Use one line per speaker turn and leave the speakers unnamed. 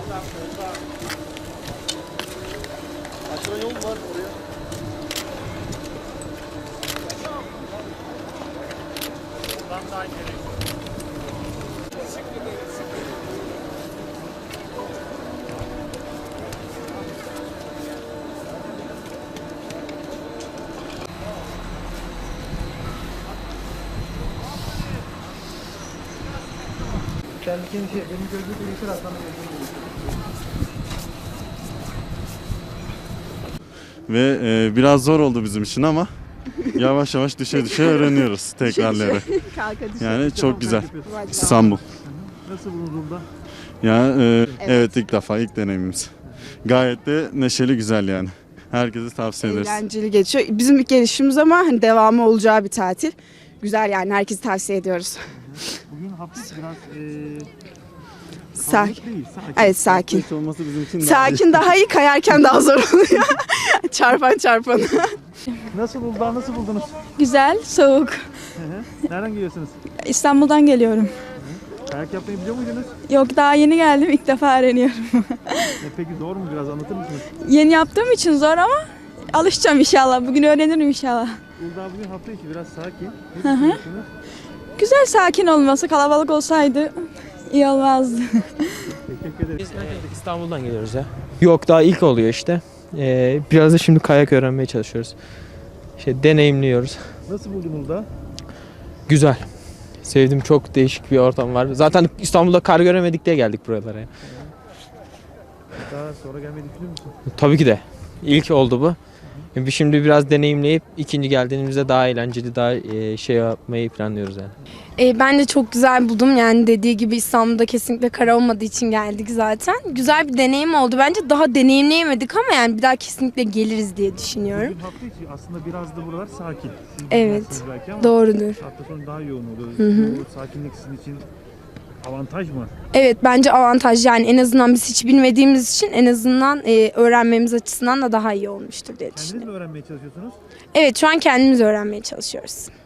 Aşağı yol var oraya. Buradan daha ileri.
Benim gözlüğü değişir aslında.
Ve biraz zor oldu bizim için ama yavaş yavaş düşe öğreniyoruz tekrarları. Yani çok güzel. İstanbul.
Nasıl bulunduğunda?
Ya evet ilk defa ilk deneyimimiz. Gayet de neşeli güzel yani. Herkese tavsiye ederiz.
Eğlenceli geçiyor. Bizim ilk gelişimiz ama hani devamı olacağı bir tatil. Güzel yani herkese tavsiye ediyoruz.
Bugün hafif biraz
Sakin.
değil, sakin.
Evet sakin.
Hiç olması bizim için
Sakin daha iyi, kayarken daha zor oluyor. çarpan.
Nasıl buldular, nasıl buldunuz?
Güzel, soğuk.
Nereden geliyorsunuz?
İstanbul'dan geliyorum.
Kayak yapmayı biliyor muydunuz?
Yok daha yeni geldim, ilk defa öğreniyorum.
Peki zor mu, biraz anlatır mısınız?
Yeni yaptığım için zor ama alışacağım inşallah. Bugün öğrenirim inşallah.
Uludağ bugün hafta içi biraz sakin. Ne düşünüyorsunuz?
Güzel sakin olması, kalabalık olsaydı iyi olmazdı.
Teşekkür ederiz.
Biz İstanbul'dan geliyoruz ya. Yok daha ilk oluyor işte. Biraz da şimdi kayak öğrenmeye çalışıyoruz. Deneyimliyoruz.
Nasıl buldun Uludağ?
Güzel. Sevdim, çok değişik bir ortam var. Zaten İstanbul'da kar göremedik diye geldik buralara.
Daha sonra gelmeyi düşünüyor musun?
Tabii ki de. İlk oldu bu. Biz şimdi biraz deneyimleyip ikinci geldiğimizde daha eğlenceli, daha şey yapmayı planlıyoruz yani.
Ben de çok güzel buldum. Yani dediği gibi İstanbul'da kesinlikle kar olmadığı için geldik zaten. Güzel bir deneyim oldu. Bence daha deneyimleyemedik ama yani bir daha kesinlikle geliriz diye düşünüyorum.
Bugün hafta içi aslında biraz da buralar sakin. Siz
Evet,
bilmezsiniz belki ama
doğrudur.
hafta sonu daha yoğun oluyor. Bu sakinlik sizin için avantaj mı?
Evet bence avantaj yani en azından biz hiç bilmediğimiz için en azından öğrenmemiz açısından da daha iyi olmuştur diye
Kendiniz
düşünüyorum.
mi öğrenmeye çalışıyorsunuz?
Evet şu an kendimiz öğrenmeye çalışıyoruz.